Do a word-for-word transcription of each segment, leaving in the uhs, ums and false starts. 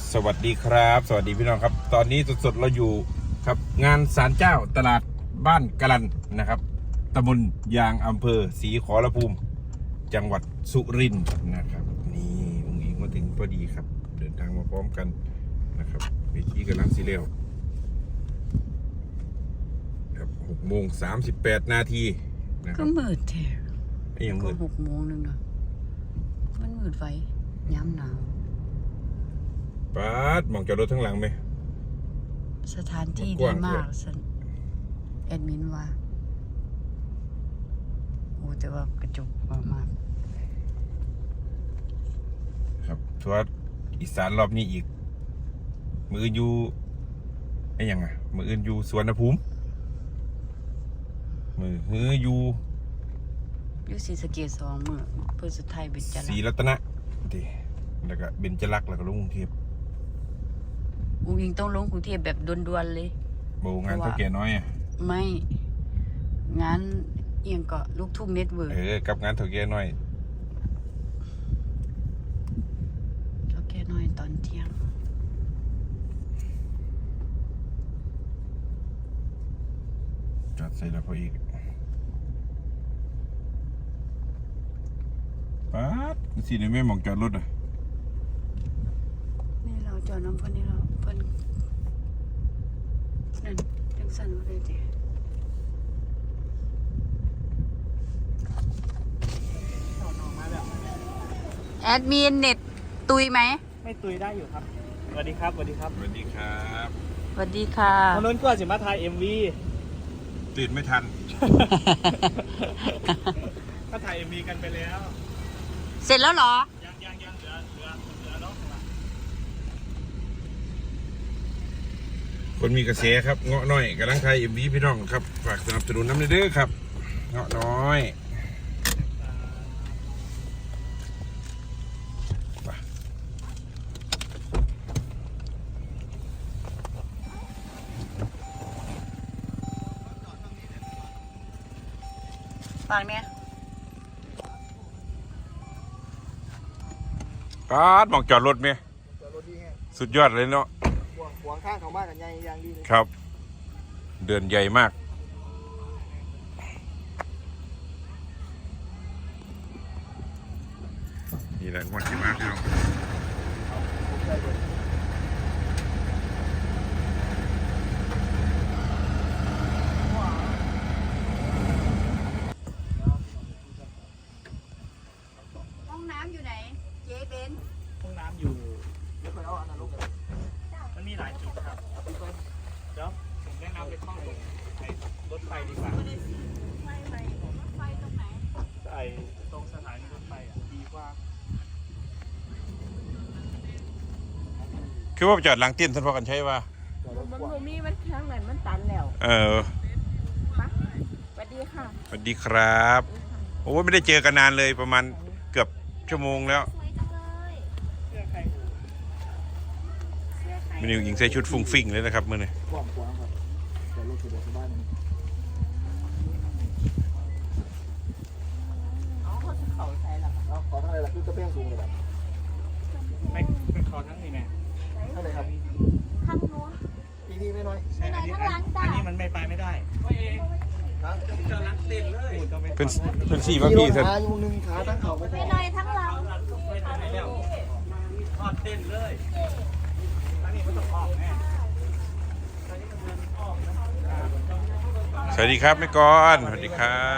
สวัสดีครับสวัสดีพี่น้องครับตอนนี้สดๆเราอยู่ครับงานศาลเจ้าตลาดบ้านกะลันนะครับตำบลยางอำเภอศรีขอรภูมิจังหวัดสุรินทร์นะครับนี่องค์อิงมาถึงพอดีครับเดินทางมาพร้อมกันนะครับเวทีกำลังสีเร็วครับหกโมงสามสิบแปดนาทีนะคก็รับมืดแท้ไอ้ยังก็มืดหกโมงนึงเนาะมันมืดไว้ย้ำหนาวป๊าดมองจอดรถทั้งหลังไหมสถานที่กดีว้างๆมากสันแอดมินว่าโอ้แต่ว่ากระจุกมากครับทัวร์อีสานรอบนี้อีกมืออื่นอยู่ไอ้ยังไงมืออื่นอยู่สวนภูมิมือฮืออยู่ๆอยู่ศรีสะเกษสองมื้อเพื่อสุดท้ายเป็นจันทศรีร์รัตนะดีแล้วก็เบญจรักษ์แล้วก็ลงกรุงเทพอุ้งอิงต้องลงกรุงเทพแบบด่วนๆเลยโบงานเท่าแก่น้อยอ่ะไม่งานเอียงก็ลูกทุ่งเน็ตเวิร์กเออกับงานเท่าแก่น้อยเขาแค่น้อยตอนเที่ยงจอดใส่แล้วพออีกป๊าดสิในแม่มองจอดรถอ่ะนี่เราจอดน้ำเพิ่นนี่เราเพิ่นนั่นจังสั่นว่าเลยติแอดมินเน็ตตุยไหมไม่ตุยได้อยู่ครับ สวัสดีครับ สวัสดีครับสวัสดีครับสวัสดีค่ะทางโน้นก็สิมาถ่าย เอ็ม วีตื่นไม่ทันก็ถ่าย เอ็ม วี กันไปแล้วเสร็จแล้วเหรอยังยังยังเหลือเหลือเหลือน้องมาคนมีกระแสครับเงาะน้อยกำลังไทยเอ็มวีพี่น้องครับฝากสนับสนุนน้ำเด้อครับเงาะน้อยไปฝากเนี่ยป๊าดมองจอดรถไหมจอดรถดีไงสุดยอดเลยเนาะขวางขวางข้างเขามากกันใหญ่ยังดีเลยครับ เดินใหญ่มากนี่แหละงวดที่มาพี่น้องห้องน้ำอยู่ไหน เจ๊เบนห้องน้ำอยู่เดี๋ยวคอยเอาอันนั้นลงเลยมันมีหลายจุดครับเดี๋ยวผมแนะนำไปเข้าตรงไอ้รถไฟดีกว่าไฟไหมไฟตรงไหนไอ้ตรงสถานีรถไฟอ่ะดีกว่าคือว่าไปจอดหลังเตี้ยนท่านพ่อกันใช่ป่ะมันบ่มีมันทางนั้นมันตันแล้วเออปะสวัสดีค่ะสวัสดีครับโอ้ไม่ได้เจอกันนานเลยประมาณเกือบชั่วโมงแล้วมันอยู่หญิงใส่ชุดฟุ้งฟิ้งเลยนะครับมื่อนี้ขวางขวางครับจอดรถสะดวกสบายมันเอาเขาจะเขาใส่ละเอาขอทั้งอะไรล่ะคือกระเป้งสูงเลยแบบไม่เป็นขอทั้งนี่แม่เท่าไหร่ครับข้างโน้นปีนี้ไม่น้อยไม่น้อยข้างหลังจ้ะอันนี้มันไม่ไปไม่ได้นะจะรักเต็มเลยเป็นเป็นสี่ป่ะพี่ท่านขาอยู่หนึ่งขาตั้งเข่าไม่ไม่ได้น้อยทั้งหลังไม่ไปแล้วทอดเต้นเลยอันนี้มันต้องออกแน่สวัสดีครับแม่กรสวัสดีครับ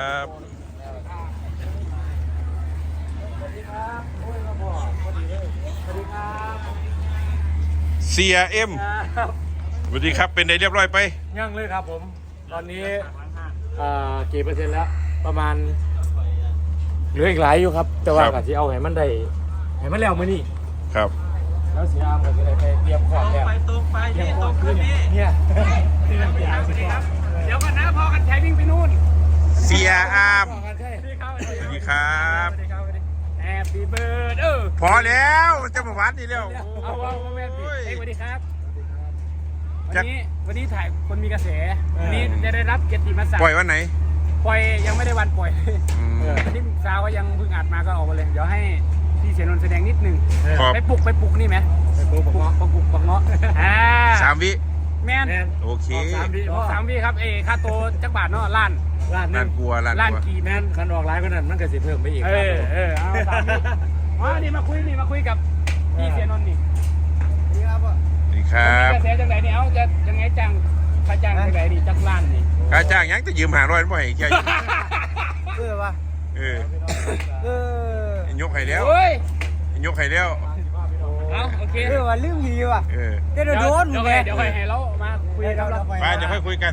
สวัสดีครับโอ้ยมาบอกพอดีเลยสวัสดีครับเซียเอ็มครับสวัสดีครับเป็นไงเรียบร้อยไปยังเลยครับผม ตอนนี้เอ่อกี่เปอร์เซ็นต์แล้ว ประมาณเหลืออีกหลายอยู่ครับ แต่ว่าครับกะที่เอาให้มันได้ให้มันแล้วมื้อนี้ครับแล้วเสียอามก็จะได้ไปเตรียมของแล้วไปตรงไปเตรียพี่มขตอรง งขึ้ขึ้นนพี่เนี่ยที่นั่นพี่สวัสดีครับเดี๋ยวกันนะพอกันใช้วิ่งไปนู่นเซียอามขอกันใช่สวัสดีครับสวัสดีครับสวัสดีครับสวัสดีแฮปปี้เบิร์ดเออพอแล้วจะมาวัดนี่แล้วเอาว่าแม่พี่โอ้ยเอ้ยสวัสดีครับจัวักนนี้วันนี้ถ่ายคนมีกระแสวันนี้จะได้รับเกียรติมศักปล่อยดิ์วันไหนปล่อยยังไม่ได้วันปล่อยอืมวันนี้สาวก็ยังเพิ่งอัดมาก็ออกมาเลย เดี๋ยวให้พี่เสียนนท์แสดงนิดหนึงครับไปปลุกไปปลุกนี่ไหมไปตัวบักเงาะบักกุกบักเงาะอ่าสามวิแมนโอเคออกสามวิออกสามวิครับเอค่าตัวจักบาทเนาะล้านล้านหนึล้านงกลัวล้านล้านกลัวกีแม่นคันออกหลายกว่านั้นมันก็สิเพิ่มไปอีกเออเออเอาสามวิอ๋อนี่มาคุยนี่มาคุยกับพี่เสียนนท์นี่สวัสดีครัมีบกระแสจังไหนเนี่ยเอาจะยังไงจังค่าจ้างจังไหนนี่จักล้านนี่ค่าจ้างยังจะยืมหาร้อยบ่ให้แค่เออว่ะเออเออยกให้แล้วโอ้ยยกให้แล้วเอาโอเคเออว่าลืมหีว่ะเออเดี๋ยวโดนเดี๋ยวไงเดี๋ยวค่อยให้เรามาคุยกับเราไปเดี๋ยวค่อยคุยกัน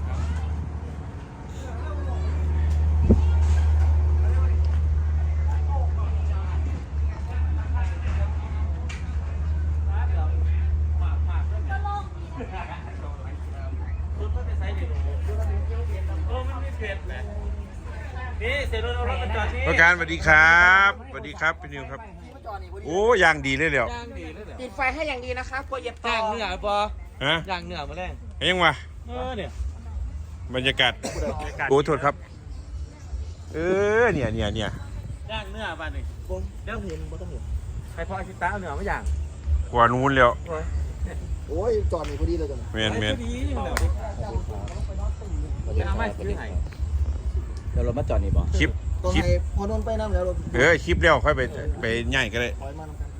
นี่เสียนนท์เอารถมาจอดนี่ประการสวัสดีครับสวัสดีครับพี่นิวครับโอ้ยางดีเลยเดี๋ยวติดไฟให้อย่างดีนะคะกลัวเหยียบต่ย่างอเหนือปอฮะย่างเหนือมาแรงเยังวะเออเนี่ยบรรยากาศโอ้โทษครับ เออเนี่ยเนี่ยเนี่ยย่างเหนือบ้านนี่บงเดี๋ยวเห็นบ่ต้องเห็นใครพออาชิตาเอาเหนือมาย่างกว่านู้นแล้วโอ้ยจอดนี่พอดีเลยจ้ะเมียนเมียนดีเหนือเอามาซื้อให้เดี๋ยวเรามาจอดนี่บ่คลิปต้องคลิปให้พอโดนไปน้ำแล้วเราเออคลิปแล้วค่อยไปไปย่ายก็ได้ถอยมาน้ำกัน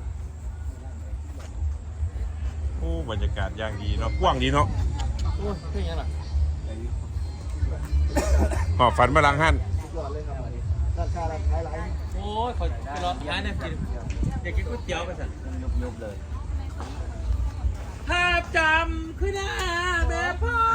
โอ้บรรยากาศย่างดีเนาะกว้างดีเนาะโอ้ยเป็นยังไงหอบฝันมาลังหันสุดยอดเลยครับร้านค้าร้านขายหลายโอ้ยขอไปรอร้านเนี่ยกินอยากกินก๋วยเตี๋ยวไปสั่นยุบเลยภาพจำขึ้นหน้าแม่พ่อ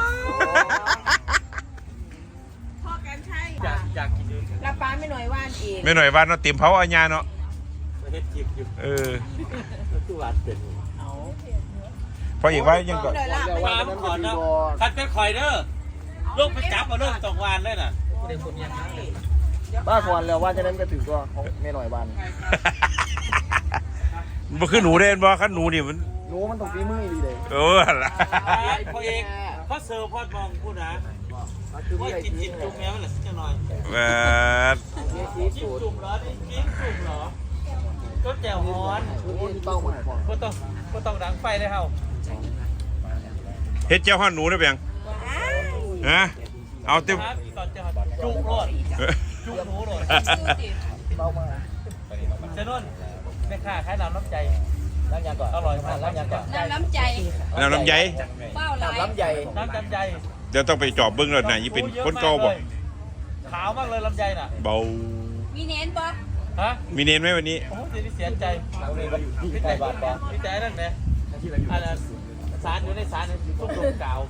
พ่อกันใช่อยากอยากกินเลยรับป้าไม่หน่อยว่านเองไม่หน่อยว่าเนาะเต็มเผาอาญาเนาะเฮ็ดจิบอยู่เออตู้วัดเป็นพออีกว่ายังก่อนหน่อยละปามขอเนาะคัดเป็นข่อยเด้อลูกไปจับมาเรื่องสองวันเลยน่ะบ้าก่อนแล้วว่าจะนั้นก็ถือตัวของแม่หน่อยบ้านมันคือหนูเด่นบ่คันหนูนี่มันหนูมันต้องฝีมือดีเลยเออละพ่อเอกพ่อเซอร์พ่อมองพูดนะคือว่าไม่ได้จินกิจินนจุ่มแม่มันแหละสักหน่อยแบบจิ้มจุ่มเหรอนี่จิ้มจุ่มเหรอก็แจ่วฮ้อนชุดนี้เป้าหมายก่อนก็ต้องก็ต้องดังไฟได้เฮาเฮ็ดเจ้าห้อนหนูได้เปียงฮะเอาเต็มครับตอนจะจุ่มโลดจุ่มหนูโลดเป้าหมายเซนนแม่ค้าขายน้ำน้ำใจน้ำยาก่อนอร่อยมากน้ำยาก่อนน้ำน้ำใจน้ำลำไยเป้าไหลลำใหญ่น้ำจำใจเดี๋ยวต้องไปจอบเบิ้งแล้วนะยี่เป็นคนเก่าบ่ขาวมากเลยลำไยน่ะเบามีเน้นป๊อปฮะมีเน้นไหมวันนี้โอ้ยเสียใจพี่ใจบาดบอพี่ใจนั่นไงอันนั้นสารอยู่ในสารตุ้มลมกาว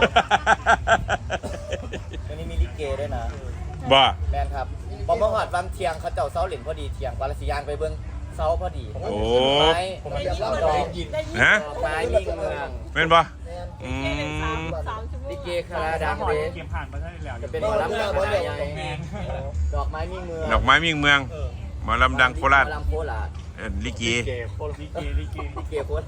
วันนี้มีลิเกด้วยนะบ่แมนครับบอมเบอร์ฮอดวันเที่ยงเขาเจ้าเสาเหล่นพอดีเที่ยงวาลสิยางไปเบิ้งเสาพอดีโอ้ไม้ผมเตรียมเล่าดอกฮะไม้มิ่งเมืองเป็นบ่อืมลิเกคาราดังเดเกมผ่านมาได้แล้วจะเป็นหมอลำคณะใหญ่ดอกไม้มิ่งเมืองดอกไม้มิ่งเมืองหมอลำดังโคราชหมอลำโคราชเอ่อลิเกเกมโปรลิเกลิเกลิเกโคตร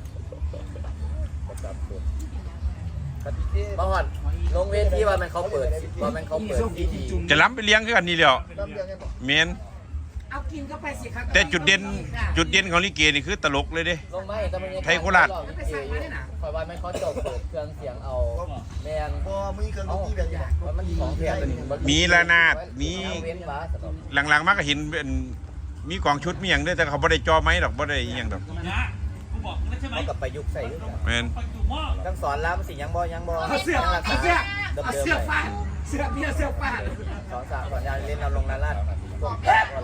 บางวันลงเวทีว่ามันเขาเปิดว่ามันเขาเปิดที่ดีจะล้ำไปเลี้ยงคือกันนี่แหล้วเมนเอากินเข้าไปสิครับแต่จุดเด่นจุดเด่นของลิเกนี่คือตลกเลยเด้ลงไม่แต่มันยังไทยโคราชคอยว่ามันเขาจบเปิดเครื่องเสียงเอาแมนพอมีเครื่องดนตรีแบบนี้ว่ามันของแพงตัวนี้มีระนาดมีเว้นฟ้าสำหรับหลังๆมาก็เห็นเป็นมีกองชุดมีอย่างด้วยแต่เขาบ่ได้จอไม้ดอกบ่ได้อหย่างดอกนะกูบอกแล้วใช่ไหมเขากับประยุกต์ใส่ด้วยกันแมนปัจจุบันทั้งสอนล้ำสิยังบ่ยังบ่เอาเสื้อเอาเสื้อเอาเสื้อฟาดดเสื้อเพี้ยเสื้อฟาดสอนสามสอนยาเล่นเอาลงนาลาดพวกแป๊บอะไร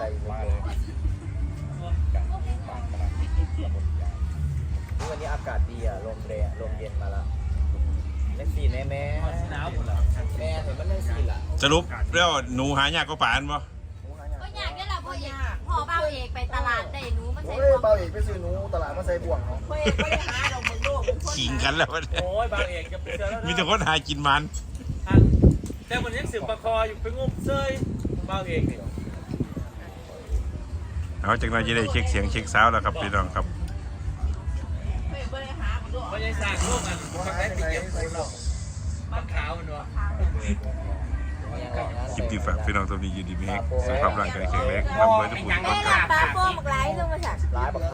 วันนี้อากาศดีอ่ะลมแรงลมเย็นมาแล้วเล่นสีแน่แม่หนาวหมดแล้วแม่เห็นมันเล่นสีล่ะสรุปแล้วหนูหายากก็ป่านบ่ก็อยากได้ละพ่อเอกพ่อเบ้าเอกไปตลาดได้หนูมาใส่โอ้ยเบาเอกไปซื้อหนูตลาดมาใส่บ่วงเนาะพ่อเอกไม่ได้หาดอกมึงลูกขิงกันแล้วมันโอ้ยบางเอกจะไปเจอแล้วมีแต่คนหากินมันแต่วันนี้สืบประคออยู่ไปงุ้มเซยบางเอกนี่เอาจากนั้นจะได้เช็คเสียงเช็คซาวด์แล้วครับพี่น้องครับไม่ใช่สร้างโลกกันทำได้ปีเก็บคนหรอกมันขาวมันวะคลิปที่ฝากพี่น้องตัวนี้อยู่ดีมีแฮกสุขภาพร่างกายแข็งแรงร่ำรวยทุกคนได้รับป้าโป้งหลายลงมาสักร้ายบัก